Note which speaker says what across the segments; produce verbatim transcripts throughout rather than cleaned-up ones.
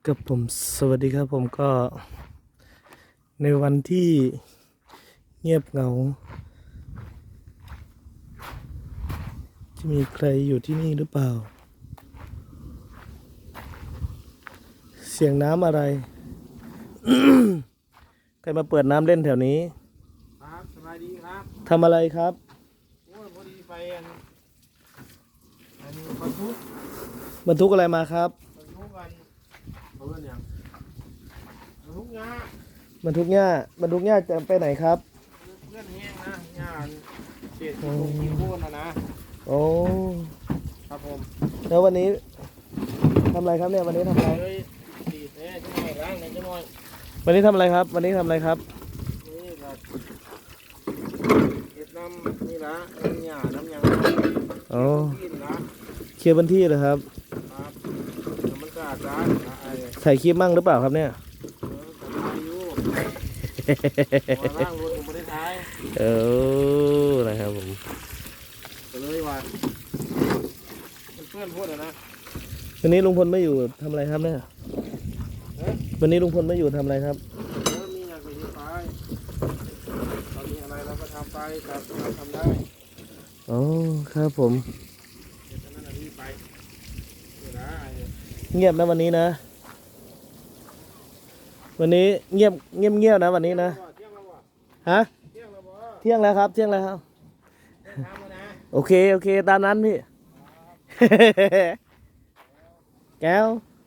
Speaker 1: กับผมสวัสดีครับผมก็ในวันที่เงียบเหงาจะมีใครอยู่ที่นี่หรือเปล่าเสียงน้ำอะไร ใครมาเปิดน้ำเล่นแถวนี้
Speaker 2: ครับสบายดีครับ
Speaker 1: ทำอะไรครับ
Speaker 2: โอ้ยพอดีไปอันอันบรรทุก
Speaker 1: บรรทุกอะไรมาครับ
Speaker 2: บรรทุกกันเพื่อนอย่างบรรทุกงา
Speaker 1: บรรทุกหญ้าบรรทุกหญ้าจะไปไหนครับ
Speaker 2: เพื่อนแห้งนะงานเศษที่ลงที่โค่นนะนะ
Speaker 1: โอ้
Speaker 2: ครับผม
Speaker 1: แล้ววันนี้ทำอะไรครับเนี่ยวันนี้ทำอะไร
Speaker 2: เลยตีแน่จะหน่อยล้างหน่อยจะหน่อย
Speaker 1: วันนี้ทำอะไรครับวันนี้ทำอะไรครับ
Speaker 2: นี่ครับเก็บน้ำนี่ละน้ำหยาน้ำยาง
Speaker 1: อ๋อ
Speaker 2: กินนะ
Speaker 1: เคลียร์พื้นที่เหรอครับ
Speaker 2: ครับมันสะอาดร้านไอ้
Speaker 1: ถ่ายคลิปมั่งหรือเปล่าครับเนี่ย
Speaker 2: ล่างรถผมไม่ได้ท้าย
Speaker 1: เออนะครับผม
Speaker 2: ก็เลยว่าเพื่อนพูดนะ
Speaker 1: วันนี้ลุงพลไม่อยู่ทำอะไรครับเนี่ยวันนี้ลุงพลไม่อยู่ทำอะไรครับ
Speaker 2: มีอยากไปที่ไปตอนนี้อะไรเราก็ทำไปครับเราทำได้
Speaker 1: อ๋อครับผมเงียบนะวันนี้นะวันนี้เงียบเงียบเงียบนะวันนี้นะฮะเที่ยงแล้วครับเที่ยงแล้วครับโอเคโอเคตามนั้นพี่แก้ว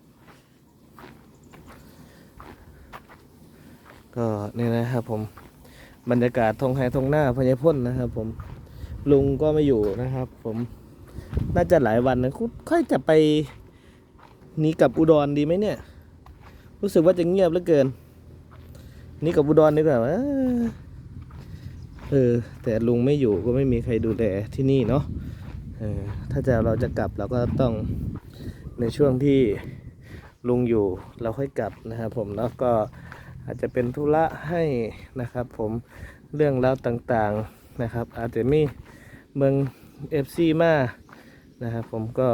Speaker 1: ก็นี่นะครับผมบรรยากาศทงไฮทงหน้าพญาพ่นนะครับผมลุงก็ไม่อยู่นะครับผมน่าจะหลายวันนะค่อยจะไปหนีกับอุดรดีไหมเนี่ยรู้สึกว่าจะเงียบเหลือเกินนี่กับอุดรดีกว่าเออแต่ลุงไม่อยู่ก็ไม่มีใครดูแลที่นี่เนาะเออถ้าจะเราจะกลับเราก็ต้องในช่วงที่ลุงอยู่เราค่อยกลับนะครับผมแล้วก็อาจจะเป็นธุระให้นะครับผมเรื่องราวต่างๆนะครับอาจจะมีเมือง เอฟ ซี มานะครับผมก็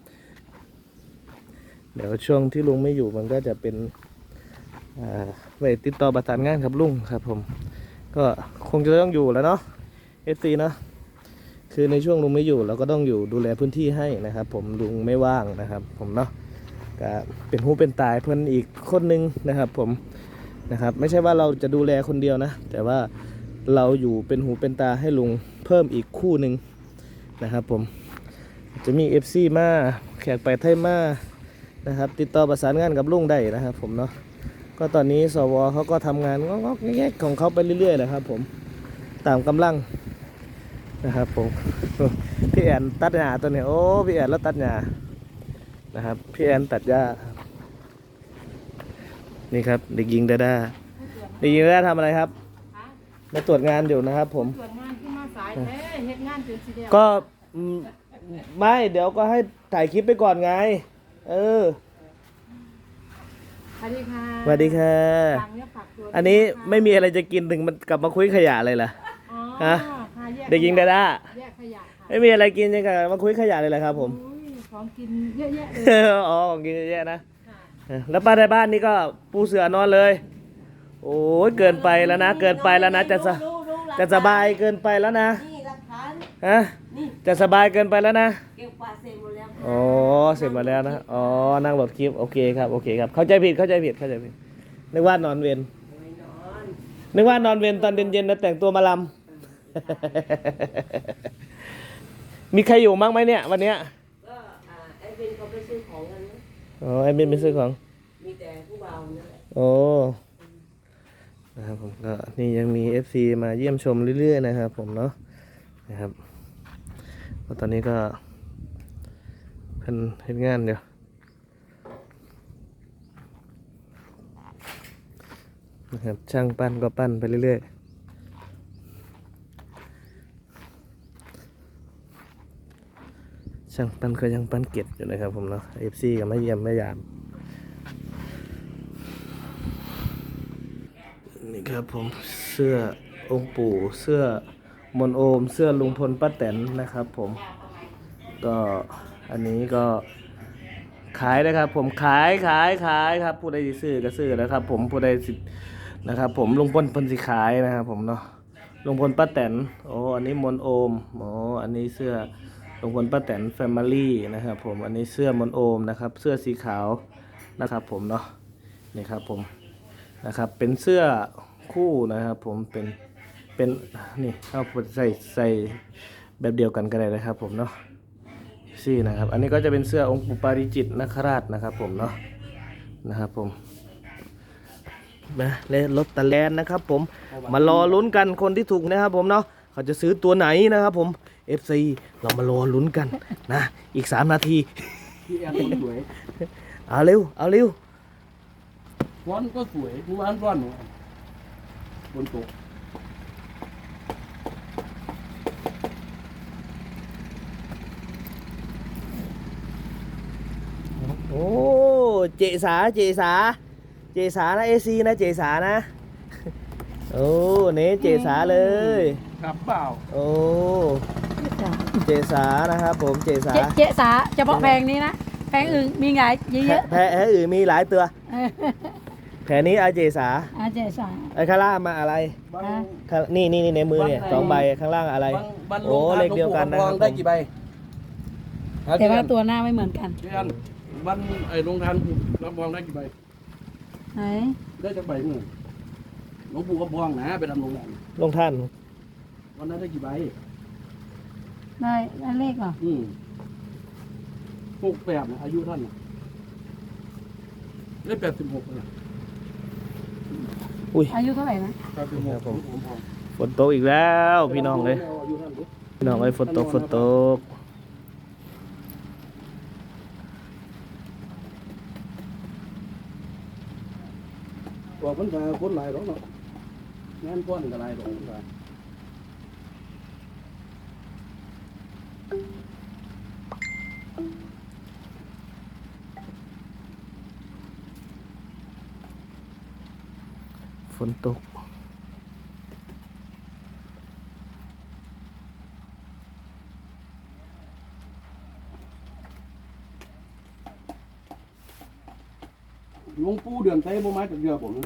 Speaker 1: เดี๋ยวช่วงที่ลุงไม่อยู่มันก็จะเป็นไว้ติดต่อประสานงานกับลุงครับผมก็คงจะต้องอยู่แล้วเนาะ เอฟ ซี เนาะคือในช่วงลุงไม่อยู่เราก็ต้องอยู่ดูแลพื้นที่ให้นะครับผมลุงไม่ว่างนะครับผมเนาะก็เป็นหูเป็นตายเพื่อนอีกคนนึงนะครับผมนะครับไม่ใช่ว่าเราจะดูแลคนเดียวนะแต่ว่าเราอยู่เป็นหูเป็นตาให้ลุงเพิ่มอีกคู่หนึ่งนะครับผมจะมี เอฟ ซี มาแขกไปไทยมานะครับติดต่อประสานงานกับลุงได้นะครับผมเนาะก็ตอนนี้สวเขาก็ทำงานงอกๆแงกๆของเขาไปเรื่อยๆนะครับผมตามกำลังนะครับผมพี่แอนตัดหญ้าตัวนี้โอ้พี่แอนแล้วตัดหญ้านะครับพี่แอนตัดหญ้านี่ครับเด็กหญิงดาดาเด็กหญิงดาดาทำอะไรครับมาตรวจงานอยู่นะครับผม
Speaker 3: ตรวจงานขึ้นมาสายแท้เฮ็ดงานจนสิเดียว
Speaker 1: ก็ไม่เดี๋ยวก็ให้ถ่ายคลิปไปก่อนไงเออ
Speaker 3: สวัสดีค่ะ
Speaker 1: สวัสดีค่ะอันนี้ไม่มีอะไรจะกินถึงมันกลับมาคุยขยะเลยล่ะฮะเด็กหญิงดาดาไม่มีอะไรกินยังไงมาคุยขยะเลยแหละครับผม
Speaker 3: ของกินเยอะแยะเลย
Speaker 1: อ๋อของกินเยอะแยะนะแล้วป้าในบ้านนี่ก็ปูเสือนอนเลยโอ้ยเกินไปแล้วนะเกินไปแล้วนะจะสจะสบายเกินไปแล้วนะฮะจะสบายเกินไปแล้วนะ
Speaker 3: เก็บกวาดเสร็จหมดแล้ว
Speaker 1: อ๋อเสร็จหมดแล้วนะอ๋อนั่งโหลดคลิปโอเคครับโอเคครับเข้าใจผิดเข้าใจผิดเข้าใจผิดนึกว่านอนเวรนึกว่านอนเวรตอนเย็นๆแล้วแต่งตัวมาลำมีใครอยู่มั้งไหมเนี่ยวันเนี้ย
Speaker 3: ก็ไอ้บินเขาไปซื้อของกันนะ
Speaker 1: อ๋อไอ้บินไปซื้อของ
Speaker 3: มีแต่ผู้เบานั่นแหละ
Speaker 1: โอ้นะครับผมก็นี่ยังมี เอฟ ซี มาเยี่ยมชมเรื่อยๆนะครับผมเนาะนะครับตอนนี้ก็เพิ่นเฮ็ดงานเดี๋ยวนะครับช่างปั้นก็ปั้นไปเรื่อยๆช่างปั้นก็ยังปั้นเก็บอยู่นะครับผมเนาะ เอฟ ซี ก็มาเยี่ยมมายามนี่ครับผมเสื้อองค์ปู่เสื้อมนโอมเสื้อลุงพลป้าแตนนะครับผมก็อันนี้ก็ขขายนะครับ ผมขายขายขายครับผู้ใดสิซื้อก็ซื้อนะครับ ผมผู้ใดสินะครับ ผมลุงพลเพิ่นสิขายนะครับผมเนาะลุงพลป้าแตนโอ้อันนี้มนโอมโอ้อันนี้เสื้อลุงพลป้าแตนแฟมิลี่นะครับผมอันนี้เสื้อมนโอมนะครับ เสื้อสีขาวนะครับผมเนาะนี่ครับผมนะครับเป็นเสื้อคู่นะครับ ผมเป็นเป็นนี่เอาใส่ใส่แบบเดียวกันก็ได้นะครับ ผมเนาะซี่นะครับอันนี้ก็จะเป็นเสื้อองค์ปู่ปาริจิตรนคราชนะครับผมเนาะนะครับผมนะเลรถตะแลนนะครับผมมารอลุ้นกันคนที่ถูกนะครับผมเนาะเขาจะซื้อตัวไหนนะครับผม เอฟ ซี เรามารอลุ้นกันนะอีกสามนาที
Speaker 2: พี่แอนคนสวย
Speaker 1: เอาเร็วเอาเร็ว
Speaker 2: ร้อนก็สวยทุกวันร้อนฝนตก
Speaker 1: โอ้เจสาเจสาเจสานะเอซีนะเจสานะโอ้เน้เจสาเลย
Speaker 2: ครับเปล่า
Speaker 1: โอ้เจสานะครับผมเจสา
Speaker 4: เจเจสาเฉพาะแพงนี้นะแพงอื่นมีไงเย
Speaker 1: แพะ
Speaker 4: อะ
Speaker 1: แพะแพะอื่นมีหลายตัว
Speaker 4: ๆเออ
Speaker 1: แผลนี้อาเจสา
Speaker 4: อาเจสา
Speaker 1: ไอ้ข้างล่างมาอะไร
Speaker 2: บาง
Speaker 4: ฮะ
Speaker 1: ข้างนี่นี่นี่ในมือเนี่ยสองใบข้างล่างอะไร
Speaker 2: บางบาง
Speaker 1: โอ้เลขเดียวกันนะค
Speaker 2: ล
Speaker 1: รั
Speaker 2: ง
Speaker 1: บ
Speaker 2: ได้
Speaker 1: ผม
Speaker 2: กี่ใบ
Speaker 4: แต่ว่าตัวหน้าไม่เหมือนกัน
Speaker 2: พี่แอนวันไอ้โรงทานรับรองได้กี่ใบ
Speaker 4: ไหน
Speaker 2: ได้จากใบหนึ่งหลวงปู่ก็บองนะไปดำรงแหลม
Speaker 1: ลงท่าน
Speaker 2: วันนั้นได้กี่ใบ
Speaker 4: ได้ได้เลขเหรอ
Speaker 2: อืมหกแปดนะอายุท่านน่ะได้แปดสิบหกนะ
Speaker 1: อุ้ย
Speaker 4: อายุเท่าไหร่นะ
Speaker 2: แปดสิบหกผมผมผม
Speaker 1: ฝนตกอีกแล้วพี่น้องเลย
Speaker 2: อายุท่านดิ
Speaker 1: พี่น้องเอ้ยฝนตกฝนตก
Speaker 2: บอกมันจะคนหลายหรอกเนาะงานก้อนก็หลายหรอกมันก็
Speaker 1: ฝนตก
Speaker 2: หลวงปู่เดือนไต้บ่มาจากเรือผมนะ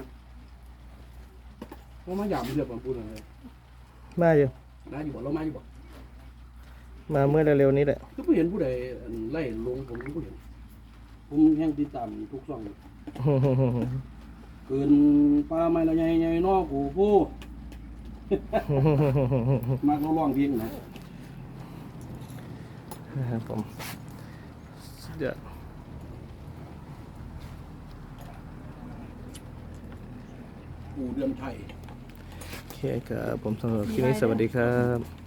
Speaker 2: บ่มาหยามเรือผมปู่เดือนไต้
Speaker 1: มาอยู่
Speaker 2: ได้อยู่บ่เรามาอยู่บ่
Speaker 1: มาเมื่อเร็วๆนี้แหละ
Speaker 2: ก็บ่เห็นผู้ใดไล่ลงผมก็บ่เห็นผมแห่งติดตามทุกช่องเกินปลาไม้ละใหญ่ๆนอกกูผู้ มากเราร้องเพลงนะ
Speaker 1: นะครับผมสุดยอด
Speaker 2: ปู่เดือนไทย
Speaker 1: โอเคครับผมสำหรับคลิปนี้สวัสดีครับ